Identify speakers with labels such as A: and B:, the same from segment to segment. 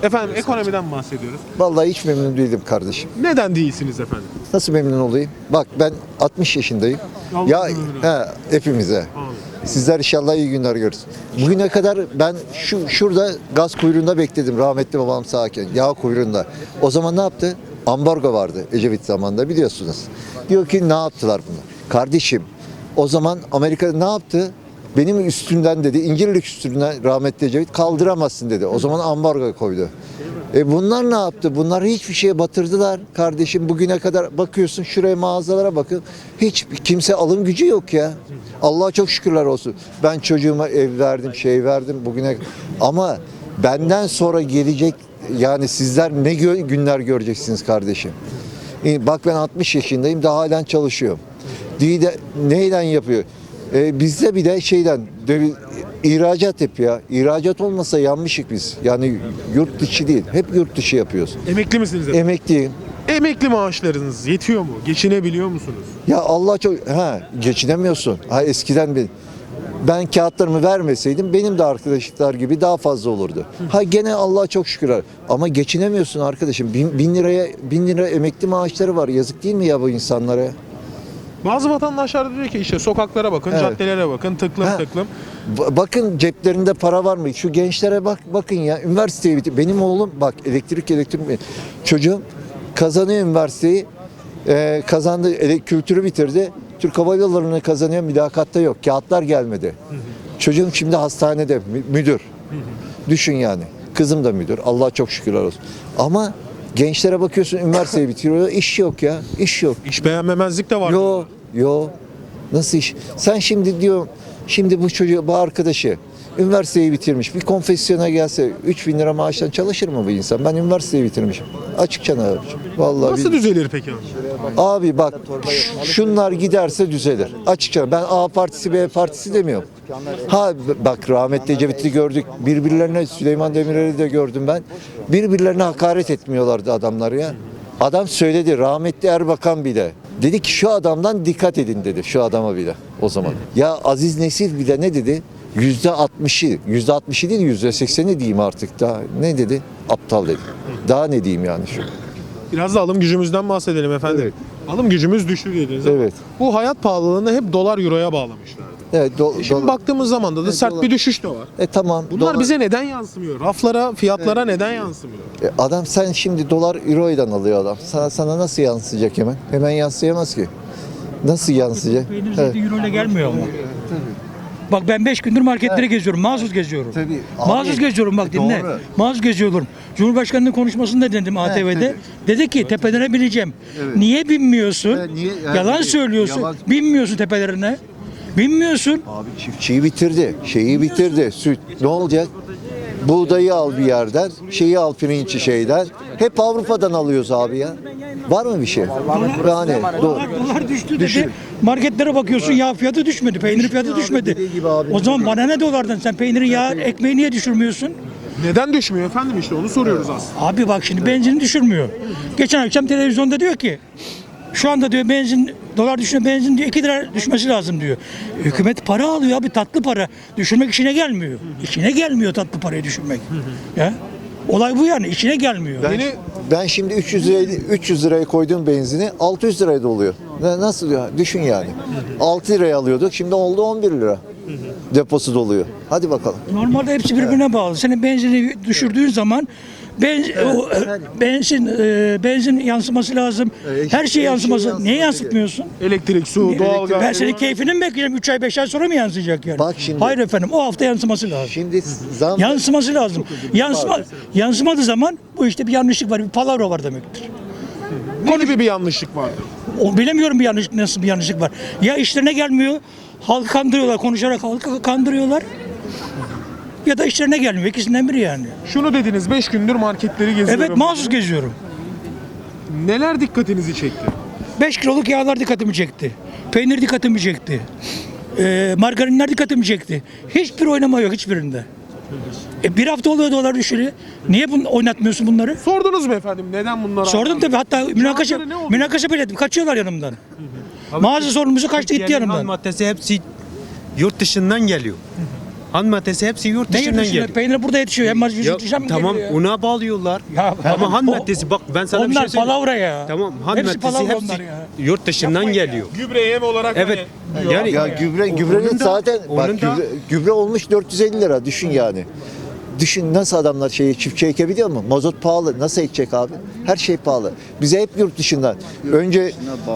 A: Efendim ekonomiden bahsediyoruz.
B: Vallahi hiç memnun değilim kardeşim.
A: Neden değilsiniz efendim?
B: Nasıl memnun olayım? Bak ben 60 yaşındayım.
A: Allah
B: Ya
A: ömrünü versin.
B: hepimize.
A: Amin.
B: Sizler inşallah iyi günler görürsün. Bugüne kadar ben şurada gaz kuyruğunda bekledim rahmetli babam sağken. Yağ kuyruğunda. O zaman ne yaptı? Ambargo vardı Ecevit zamanında biliyorsunuz. Diyor ki ne yaptılar bunlar? Kardeşim o zaman Amerika ne yaptı? Benim üstümden dedi, İncirlik üstünden rahmetli Ecevit kaldıramazsın dedi. O zaman ambargo koydu. Bunlar ne yaptı? Bunlar hiçbir şeye batırdılar kardeşim. Bugüne kadar bakıyorsun şuraya mağazalara bakın. Hiç kimse alım gücü yok ya. Allah'a çok şükürler olsun. Ben çocuğuma ev verdim, şey verdim bugüne. Ama benden sonra gelecek yani sizler ne günler göreceksiniz kardeşim. Bak ben 60 yaşındayım daha halen çalışıyorum. Neyden yapıyor? Bizde bir de ihracat yapıyor. İhracat olmasa yanmışık biz. Yani yurt dışı değil. Hep yurt dışı yapıyoruz.
A: Emekli misiniz efendim?
B: Emekliyim.
A: Emekli maaşlarınız yetiyor mu? Geçinebiliyor musunuz?
B: Ya Allah çok geçinemiyorsun. Eskiden ben kağıtlarımı vermeseydim benim de arkadaşlar gibi daha fazla olurdu. Gene Allah'a çok şükürler. Ama geçinemiyorsun arkadaşım. Bin lira emekli maaşları var. Yazık değil mi ya bu insanlara?
A: Bazı vatandaşlar diyor ki işte sokaklara bakın,
B: Evet.
A: caddelere bakın, tıklım tıklım.
B: Bakın ceplerinde para var mı? Şu gençlere bakın ya. Üniversiteyi bitir. Benim oğlum bak elektrik çocuğum kazanıyor üniversiteyi. Kazandı kültürü bitirdi. Türk Hava Yolları'nı kazanıyor. Mülakatta yok. Kağıtlar gelmedi. Çocuğum şimdi hastanede müdür. Düşün yani. Kızım da müdür. Allah'a çok şükürler olsun. Ama gençlere bakıyorsun üniversiteyi bitiriyor. İş yok ya. İş yok.
A: İş beğenmemezlik de var.
B: Yo. Nasıl iş? Sen şimdi şimdi bu çocuğu, bu arkadaşı üniversiteyi bitirmiş. Bir konfesyona gelse 3.000 lira maaştan çalışır mı bu insan? Ben üniversiteyi bitirmişim. Açıkça ne yapacağım? Vallahi
A: Nasıl düzelir peki abi?
B: Abi bak şunlar giderse düzelir. Açıkça ben A partisi B partisi demiyorum. Bak rahmetli Ecevit'i gördük. Birbirlerine Süleyman Demirel'i de gördüm ben. Birbirlerine hakaret etmiyorlardı adamlar ya. Adam söyledi rahmetli Erbakan bile. Dedi ki şu adamdan dikkat edin dedi. Şu adama bile o zaman. Ya Aziz Nesil bile ne dedi? %60'ı değil %80'i diyeyim artık daha. Ne dedi? Aptal dedi. Daha ne diyeyim yani şu.
A: Biraz da alım gücümüzden bahsedelim efendim.
B: Evet.
A: Alım gücümüz düştü dediniz ama
B: Evet.
A: bu hayat pahalılığını hep dolar euroya bağlamışlardı.
B: Evet,
A: Şimdi baktığımız zaman da sert bir düşüş de var.
B: tamam.
A: Bunlar bize neden yansımıyor? Raflara, fiyatlara neden yansımıyor?
B: Adam sen şimdi dolar euro'dan alıyor adam. Sana nasıl yansıyacak hemen? Hemen yansıyamaz ki. Nasıl yansıyacak?
C: Peynir zeytin euro ile gelmiyor ama. Bak ben 5 gündür marketlere geziyorum, mağazus geziyorum.
B: Tabii.
C: Mağazus
B: Abi,
C: geziyorum bak dinle.
B: doğru.
C: Mağazus geziyorum. Cumhurbaşkanının konuşmasında dedim ATV'de.
B: tabii.
C: Dedi ki tepelere bineceğim. Niye binmiyorsun?
B: niye?
C: Yalan söylüyorsun.
B: Yalan.
C: Binmiyorsun tepelerine. Binmiyorsun.
B: Abi çiftçiyi bitirdi. Şeyi bitirdi. Süt. Ne olacak? Buğdayı al bir yerden, şeyi al pirinci şeyden. Hep Avrupa'dan alıyoruz abi ya. Var mı bir şey? Yani
C: Dolar düştü dedi.
B: Düşün.
C: Marketlere bakıyorsun yağ fiyatı düşmedi, peynir fiyatı
B: abi,
C: düşmedi.
B: dediği gibi abi.
C: O zaman bana ne dolardan sen peyniri yağ ekmeği niye düşürmüyorsun?
A: Neden düşmüyor efendim işte onu soruyoruz aslında.
C: Abi bak şimdi benzin düşürmüyor. Geçen akşam televizyonda diyor ki şu anda diyor dolar düşüyor benzin diyor 2 lira düşmesi lazım diyor. Hükümet para alıyor abi tatlı para. Düşürmek işine gelmiyor. İşine gelmiyor tatlı parayı düşürmek. Ya. Olay bu yani işine gelmiyor.
B: Ben şimdi 300 liraya koyduğum benzini 600 liraya da oluyor. Nasıl ya? Düşün yani. 6 liraya alıyorduk. Şimdi oldu 11 lira. Deposu doluyor. Hadi bakalım.
C: Normalde hepsi birbirine bağlı. Senin benzini düşürdüğün zaman benzin yansıması lazım. Her şey yansıması. Niye yansıtmıyorsun?
A: Elektrik, su, doğalgaz.
C: Ben senin keyfini mi bekleyeceğim? 3 ay 5 ay sonra mı yansıyacak yani?
B: Bak şimdi-
C: Hayır efendim o hafta yansıması lazım.
B: Şimdi zam
C: Yansıması lazım. Yansımadığı zaman bu işte bir yanlışlık var, bir palavra var demektir.
A: Ne gibi bir yanlışlık vardı?
C: O bilemiyorum nasıl bir yanlışlık var. Ya işlerine gelmiyor, halkı kandırıyorlar, konuşarak halkı kandırıyorlar. Ya da işlerine gelmiyor. İkisinden biri yani.
A: Şunu dediniz 5 gündür marketleri geziyorum.
C: Evet mahsus geziyorum.
A: Neler dikkatinizi çekti?
C: 5 kiloluk yağlar dikkatimi çekti. Peynir dikkatimi çekti. Margarinler dikkatimi çekti. Hiçbir oynama yok hiçbirinde. Bir hafta oluyor dolar düşürü. Niye oynatmıyorsun bunları?
A: Sordunuz mu efendim neden bunlar?
C: Sordum tabii hatta
A: Cevapları ne oluyor?
C: münakaşa bile ettim. Kaçıyorlar yanımdan. Mağaza sorumlusu kaçtı gitti
D: Türkiye'nin ham
C: yanımdan.
D: maddesi hepsi yurt dışından geliyor. Ham maddesi hepsi yurt
C: Ne
D: dışından
C: yetişiyor?
D: geliyor.
C: Peynir burada yetişiyor. Hem
D: Ya,
C: yurt dışından mı
D: tamam
C: geliyor ya?
D: una bağlıyorlar.
C: Ya,
D: Ama ham
C: o-
D: maddesi bak ben sana bir
C: Onlar
D: şey söyleyeyim.
C: palavra ya.
D: Tamam ham
C: Hepsi
D: maddesi
C: palavra
D: hepsi
C: onlar ya.
D: yurt dışından geliyor.
A: Gübre yem olarak
D: Evet.
A: hani
D: Yani
B: Ya gübrenin
D: onun da-
B: zaten bak
D: onun da-
B: gübre olmuş 450 lira düşün yani. Düşün nasıl adamlar çiftçi ekebiliyor mu? Mazot pahalı. Nasıl ekecek abi? Her şey pahalı. Bize hep yurt dışından. Önce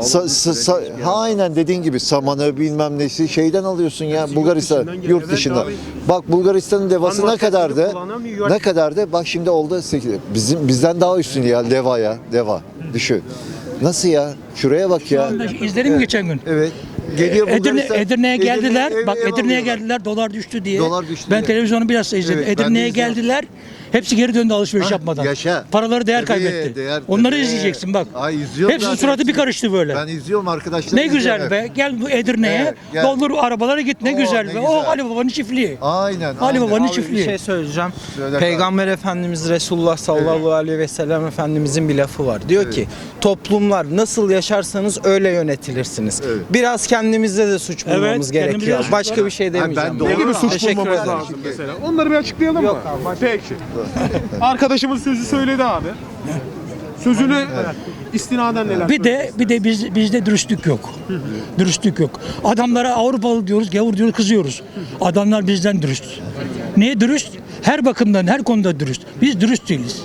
B: aynen dediğin gibi samanı bilmem nesi şeyden alıyorsun ya Bulgaristan
D: dışından geliyor.
B: yurt
D: Evet
B: dışından.
D: abi.
B: Bak Bulgaristan'ın devası
D: Ham
B: ne kadardı?
D: maddesini kullanamıyor.
B: Ne kadardı? Bak şimdi oldu 8. Bizden daha üstün ya deva ya. Deva. Düşün. Nasıl ya? Şuraya bak ya.
C: İzledim geçen gün.
B: Evet. Geliyor Bulgaristan.
C: Edirne'ye geldiler. Bak
B: ev
C: Edirne'ye
B: alıyorlar.
C: geldiler. Dolar düştü diye.
B: Dolar düştü
C: Ben
B: diye.
C: televizyonu biraz da izledim.
B: Evet, ben de
C: Edirne'ye
B: izliyorum.
C: geldiler. Hepsi geri döndü alışveriş
B: Hah,
C: yapmadan.
B: yaşa.
C: Paraları değer
B: Tabii,
C: kaybetti.
B: değer,
C: Onları
B: tabii.
C: izleyeceksin bak.
B: Ay, izliyorum
C: Hepsinin
B: zaten
C: suratı bir
B: hepsini.
C: karıştı böyle.
B: Ben izliyorum arkadaşlar.
C: Ne güzel be. Gel bu Edirne'ye.
B: Evet, gel.
C: Doldur arabalara git. Ne
B: Oo,
C: güzel
B: ne
C: be.
B: güzel.
C: O Ali Baba'nın çiftliği.
B: Aynen.
C: Ali
B: aynen.
C: Baba'nın
E: Abi bir
C: çiftliği.
E: şey söyleyeceğim.
B: Söyle
E: Peygamber Efendimiz Resulullah sallallahu aleyhi ve sellem Efendimizin bir lafı var. Diyor ki toplumlar nasıl yaşarsanız öyle yönetilirsiniz.
B: Evet.
E: Biraz kendimizde de suç bulmamız
C: Evet, kendimizde
E: gerekiyor.
C: de suç
E: Başka
C: var.
E: bir şey
B: ben
E: demeyeceğim.
B: doğru-
A: ne gibi suç
E: Teşekkür
A: bulmamız
E: ederim.
A: lazım mesela? Onları bir açıklayalım mı? Peki. Arkadaşımız sözü söyledi abi. Sözüne istinaden neler?
C: Bir de bizde dürüstlük yok. Dürüstlük yok. Adamlara Avrupalı diyoruz, gavur diyoruz, kızıyoruz. Adamlar bizden dürüst. Niye dürüst? Her bakımdan, her konuda dürüst. Biz dürüst değiliz.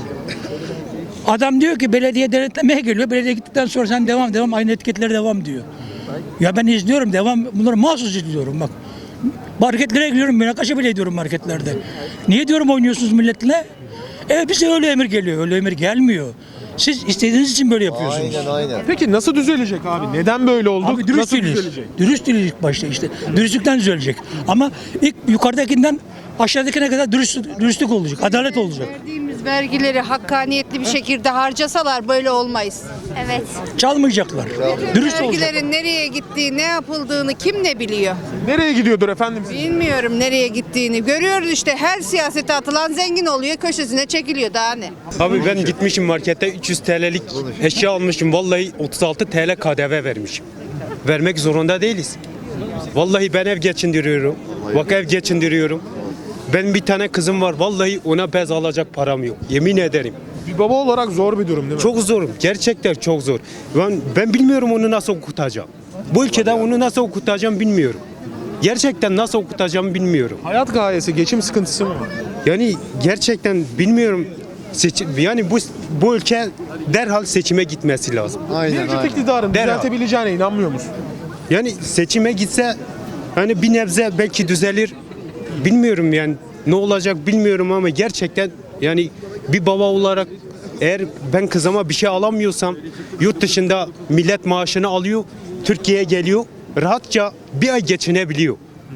C: Adam diyor ki belediye denetlemeye geliyor. Belediye gittikten sonra sen devam aynı etiketlere devam diyor. Ya ben izliyorum devam bunları mahsus izliyorum bak. Marketlere gidiyorum münakaşa bile ediyorum marketlerde. Niye diyorum oynuyorsunuz milletle? Bize öyle emir geliyor. Öyle emir gelmiyor. Siz istediğiniz için böyle yapıyorsunuz.
B: Aynen aynen.
A: Peki nasıl düzelecek abi? Neden böyle olduk?
C: Abi dürüst
A: nasıl
C: değiliz.
A: düzelecek?
C: Dürüst değiliz ilk başta işte. Dürüstlükten düzelecek. Ama ilk yukarıdakinden aşağıdakine kadar dürüstlük olacak. Adalet olacak.
F: Verdiğimiz vergileri hakkaniyetli bir şekilde harcasalar böyle olmayız.
G: Evet.
C: Çalmayacaklar. Dürüst olacak.
F: Vergilerin nereye gittiği, ne yapıldığını kim ne biliyor?
A: Nereye gidiyordur efendim?
F: Bilmiyorum nereye gittiğini. Görüyoruz işte her siyasete atılan zengin oluyor, köşesine çekiliyor daha ne?
D: Abi ben gitmişim markette 300 TL'lik eşya almışım. Vallahi 36 TL KDV vermişim. Vermek zorunda değiliz. Vallahi ben ev geçindiriyorum. Bak ev geçindiriyorum. Ben bir tane kızım var. Vallahi ona bez alacak param yok. Yemin ederim.
A: Bir baba olarak zor bir durum değil mi?
D: Çok zor. Gerçekten çok zor. Ben bilmiyorum onu nasıl okutacağım. Bu ülkede onu nasıl okutacağım bilmiyorum. Gerçekten nasıl okutacağım bilmiyorum.
A: Hayat gayesi, geçim sıkıntısı mı var?
D: Yani gerçekten bilmiyorum. Yani bu ülke derhal seçime gitmesi lazım.
B: Aynen
A: Mevcut
B: aynen.
A: iktidarın
D: Derhal.
A: düzeltebileceğine inanmıyor musun?
D: Yani seçime gitse hani bir nebze belki düzelir. Bilmiyorum yani ne olacak bilmiyorum ama gerçekten yani bir baba olarak eğer ben kızıma bir şey alamıyorsam yurt dışında millet maaşını alıyor, Türkiye'ye geliyor, rahatça bir ay geçinebiliyor.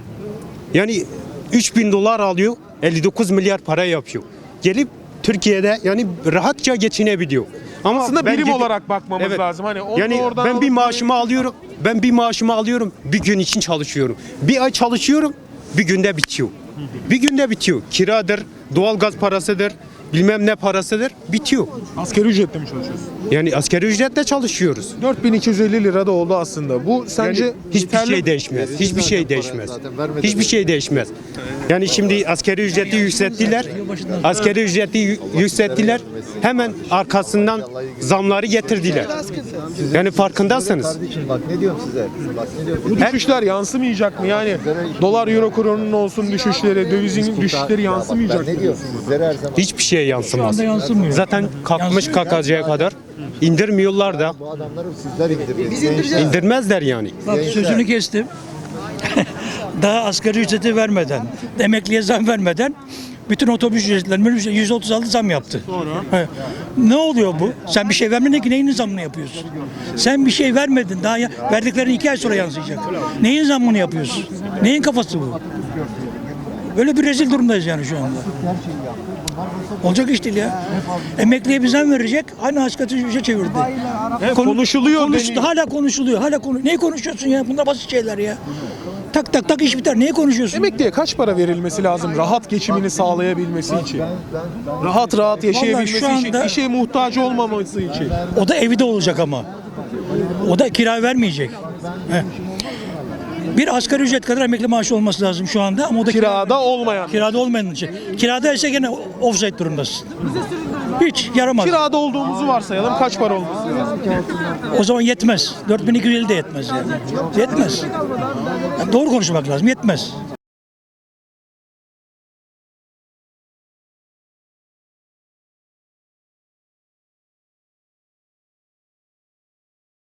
D: Yani 3.000 dolar alıyor, 59 milyar para yapıyor. Gelip Türkiye'de yani rahatça geçinebiliyor. Ama
A: Aslında
D: ben
A: birim
D: gidip-
A: olarak bakmamız
D: Evet.
A: lazım. Hani onu
D: Yani
A: oradan
D: ben bir
A: alıp-
D: maaşımı alıyorum. Ben bir maaşımı alıyorum. Bir gün için çalışıyorum. Bir ay çalışıyorum. Bir günde bitiyor. Bir günde bitiyor. Kiradır, doğalgaz parasıdır, bilmem ne parasıdır. Bitiyor.
A: Asgari ücretle mi çalışıyorsun?
D: Yani asgari ücretle çalışıyoruz.
A: 4250 lira da oldu aslında. Bu sence
D: Yani hiçbir
A: yeterli
D: şey
A: mi?
D: değişmez. Hiçbir şey değişmez.
B: Zaten vermedi.
D: Hiçbir şey değişmez. Yani şimdi asgari ücreti yükselttiler. Asgari ücreti yükselttiler. Hemen arkasından zamları getirdiler. Yani farkındasınız.
B: Kardeşim bak ne diyorum size? Bak ne diyorum.
A: Bu düşüşler yansımayacak mı? Yani dolar euro kurunun olsun düşüşleri, dövizin düşüşleri yansımayacak mı?
B: Ben ne diyorum sizlere her zaman.
D: Hiçbir şey yansımaz.
C: Şu anda yansımıyor.
D: Zaten kalkmış kalkacağı kadar indirmiyorlar da
B: Bu adamları sizler indirdiniz.
D: indirmezler yani.
C: Bak sözünü kestim. Daha asgari ücreti vermeden, emekliye zam vermeden bütün otobüs ücretlerine %36 zam yaptı. He. Ne oluyor bu? Sen bir şey vermedin ki neyin zamını yapıyorsun? Sen bir şey vermedin. Daha verdiklerin 2 ay sonra yansıyacak. Neyin zamını yapıyorsun? Neyin kafası bu? Böyle bir rezil durumdayız yani şu anda. Olacak iş değil ya. Emekliye bir zam verecek, aynı asgari ücrete çevirdi.
A: Konuşuluyor deniyor.
C: Hala konuşuluyor. Neyi konuşuyorsun ya? Bunlar basit şeyler ya. Tak tak tak iş biter. Neyi konuşuyorsun?
A: Emekliye kaç para verilmesi lazım rahat geçimini sağlayabilmesi için? Rahat yaşayabilmesi
C: Vallahi şu
A: için,
C: anda-
A: bir şeye muhtaç olmaması için.
C: O da evde olacak ama. O da kira vermeyecek. He. Bir asgari ücret kadar emekli maaşı olması lazım şu anda ama o da
A: Kirada olmayan.
C: kirada olmayan için. Kirada ise gene offside durumdasın. Hiç yaramaz.
A: Kirada olduğumuzu varsayalım. Kaç para olması lazım?
C: O zaman yetmez. 4250 de yetmez yani. Yetmez. Ya doğru konuşmak lazım. Yetmez.